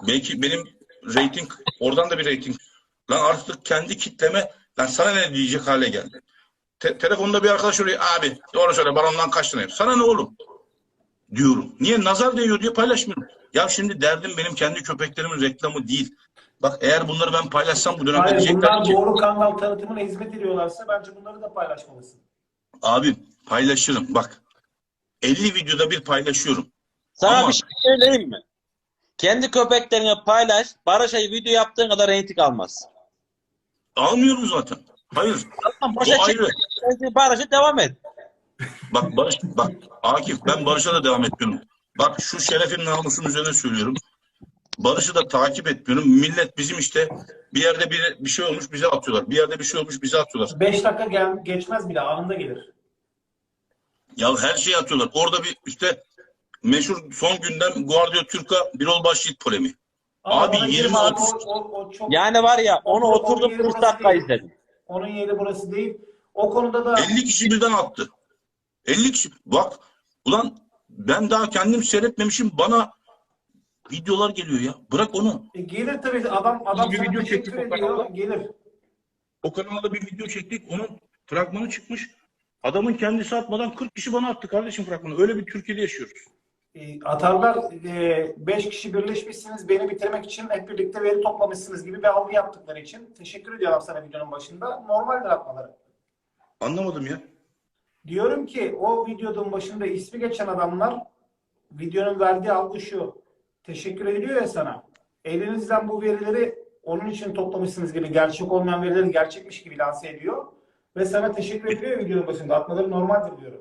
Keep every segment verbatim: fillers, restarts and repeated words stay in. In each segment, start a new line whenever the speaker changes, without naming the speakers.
Belki benim reyting, oradan da bir reyting. Lan artık kendi kitleme, lan sana ne diyecek hale geldi. Te telefonda bir arkadaş oluyor, abi doğru söyle barondan kaç lirayım? Sana ne oğlum? Diyorum. Niye? Nazar değiyor diye paylaşmıyorum. Ya şimdi derdim benim kendi köpeklerimin reklamı değil. Bak eğer bunları ben paylaşsam bu dönemde
Hayır,
diyecekler
bunlar
ki
doğru kanal tanıtımına hizmet ediyorlarsa bence bunları da paylaşmalısın.
abi paylaşırım. Bak elli videoda bir paylaşıyorum.
Sana
Ama
bir şey söyleyeyim mi? Kendi köpeklerini paylaş. Barış'a video yaptığın kadar reyting almaz.
almıyorum zaten. Hayır.
Tamam,
O
boşa çek.
ayrı.
Barış'a devam et.
Bak Barış, bak Akif, ben Barış'a da devam etmiyorum. Bak şu şerefin namusun üzerine söylüyorum. Barış'ı da takip etmiyorum. Millet bizim işte bir yerde bir, bir şey olmuş bize atıyorlar. Bir yerde bir şey olmuş bize atıyorlar.
beş dakika gel geçmez bile, anında gelir.
Ya her şeyi atıyorlar. Orada bir işte meşhur son gündem Guardia Türk'a Birol Başyiğit polemiği.
Ama
Abi
bana
yirmi
girme abi,
otuz
o, o, o çok...
Yani var ya onu
o- onun
oturdum
yeri
kırk
burası
dakika
değil.
izledim.
Onun yeri burası değil. O konuda da
elli kişi birden attı. elli kişi. Bak ulan ben daha kendim seyretmemişim, bana videolar geliyor ya. Bırak onu.
e, gelir tabii, adam adam
bir
sana
video
teşekkür
çektik o
ediyor,
kanalda.
gelir.
O kanalda bir video çektik. Onun fragmanı çıkmış. Adamın kendisi atmadan kırk kişi bana attı kardeşim fragmanı. Öyle bir Türkiye'de yaşıyoruz.
E, atarlar, e, beş kişi birleşmişsiniz beni bitirmek için, hep birlikte veri toplamışsınız gibi bir algı yaptıkları için teşekkür ediyorlar sana videonun başında. Normaldir atmaları.
Anlamadım ya.
Diyorum ki o videonun başında ismi geçen adamlar, videonun verdiği algı şu: teşekkür ediliyor ya sana. Elinizden bu verileri onun için toplamışsınız gibi, gerçek olmayan verileri gerçekmiş gibi lanse ediyor. Ve sana teşekkür ediliyor videonun başında. Atmaları normaldir diyorum.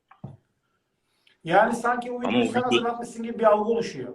Yani sanki o videoyu
o
sen
video-
hazırlatmışsın gibi bir algı oluşuyor.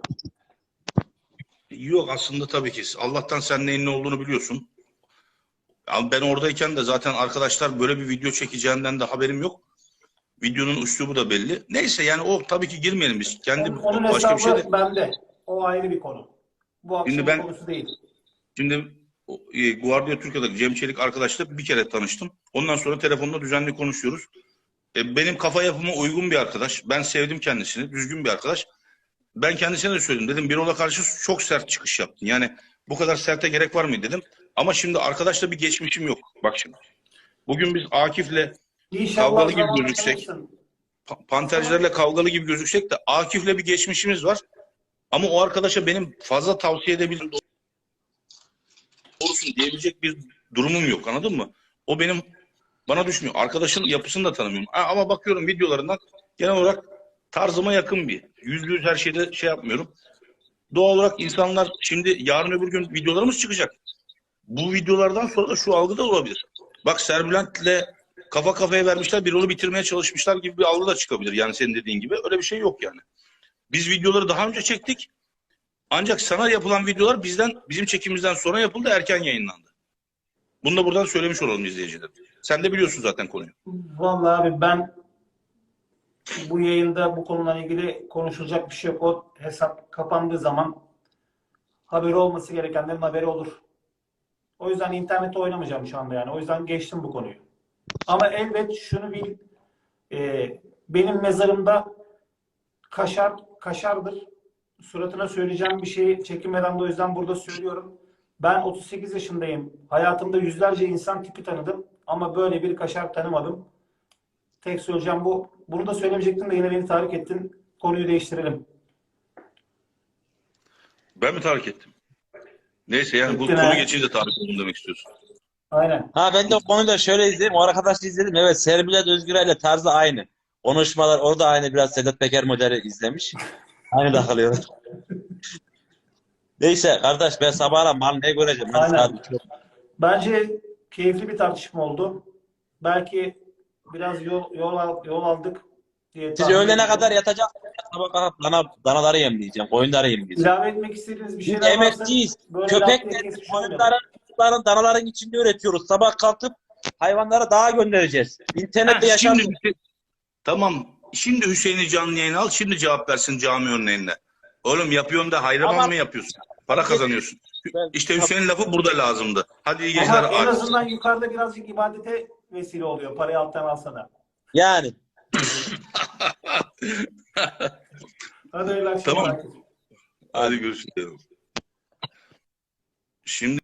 Yok aslında tabii ki. Allah'tan sen neyin ne olduğunu biliyorsun. Ya ben oradayken de zaten arkadaşlar böyle bir video çekeceğinden de haberim yok. Videonun üslubu da belli. Neyse yani o tabii ki girmeyelim biz. Kendi
Onun, onun
başka bir şey
hesabı
de.
bende. O ayrı bir konu. Bu
Şimdi
akşamın
ben
konusu değil.
Şimdi o, e, Guardia Türkiye'deki Cem Çelik arkadaşla bir kere tanıştım. Ondan sonra telefonda düzenli konuşuyoruz. E, benim kafa yapıma uygun bir arkadaş. Ben sevdim kendisini. Düzgün bir arkadaş. Ben kendisine de söyledim. Dedim Birol'a karşı çok sert çıkış yaptın. Yani bu kadar serte gerek var mı dedim. Ama şimdi arkadaşla bir geçmişim yok. Bak şimdi. Bugün biz Akif'le
İnşallah
kavgalı gibi
zamanla
gözüksek,
tanırsın.
pa- pantercilerle kavgalı gibi gözüksek de Akif'le bir geçmişimiz var. Ama o arkadaşa benim fazla tavsiye edebilirim, doğrusun diyebilecek bir durumum yok, anladın mı? O benim bana düşmüyor. Arkadaşın yapısını da tanımıyorum. Ha, ama bakıyorum videolarından genel olarak tarzıma yakın bir. Yüzde yüz her şeyde şey yapmıyorum. Doğal olarak insanlar şimdi yarın öbür gün videolarımız çıkacak. Bu videolardan sonra da şu algı da olabilir. Bak Serbülent'le kafa kafaya vermişler, bir onu bitirmeye çalışmışlar gibi bir algı da çıkabilir. Yani senin dediğin gibi öyle bir şey yok yani. Biz videoları daha önce çektik. Ancak sana yapılan videolar bizden, bizim çekimimizden sonra yapıldı, erken yayınlandı. Bunu da buradan söylemiş olalım izleyiciler. Sen de biliyorsun zaten konuyu.
Vallahi abi ben bu yayında bu konuyla ilgili konuşulacak bir şey yok. O hesap kapandığı zaman haberi olması gerekenlerin haberi olur. O yüzden internette oynamayacağım şu anda yani. O yüzden geçtim bu konuyu. Ama elbet şunu bil, e, benim mezarımda kaşar kaşardır. Suratına söyleyeceğim bir şeyi çekinmeden de o yüzden burada söylüyorum. Ben otuz sekiz yaşındayım. Hayatımda yüzlerce insan tipi tanıdım. Ama böyle bir kaşar tanımadım. Tek söyleyeceğim bu. Bunu da söylemeyecektim de yine beni tahrik ettin. Konuyu değiştirelim.
Ben mi tahrik ettim? Neyse yani bu
Ettin
konu
ha.
geçince tahrik oldum demek istiyorsun.
Aynen.
Ha ben de o konuyu da şöyle izledim. O arkadaşla izledim. Evet, Serbilet Özgürel'le tarzı aynı. Konuşmalar orada aynı, biraz Sedat Peker modeli izlemiş. Aynı takılıyorlar. Neyse kardeş, ben sabahla mal ne göreceğim? Ben
Aynen.
saat iki-
Bence keyifli bir tartışma oldu. Belki biraz yol yol, al- yol aldık diye
Siz
tahmin
öğlene
ediyorum.
kadar yatacak. Sabah kalkıp dana, danaları yemleyeceğim. Koyunları yemleyeceğim.
İlave etmek istediğiniz bir
Biz
şeyler varsa
emekçiyiz.
böyle
Köpekleri,
laf diye kesmiş
koyunların, kuzuların, danaların içinde üretiyoruz. Sabah kalkıp hayvanları dağa göndereceğiz. İnternette
Ha,
yaşam.
şimdi tamam. Şimdi Hüseyin'i canlı yayına al. Şimdi cevap versin cami örneğinde. Oğlum yapıyorsun da hayraman
Ama-
mı yapıyorsun? Para kazanıyorsun.
Ben-
İşte Hüseyin lafı burada lazımdı. Hadi iyi
Ama
geceler.
en
Akif.
azından yukarıda birazcık ibadete vesile oluyor. Parayı alttan alsana.
Yani.
Hadi öyle akşamlar.
Tamam. Hadi görüşürüz. Şimdi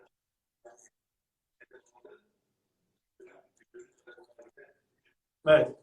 Evet.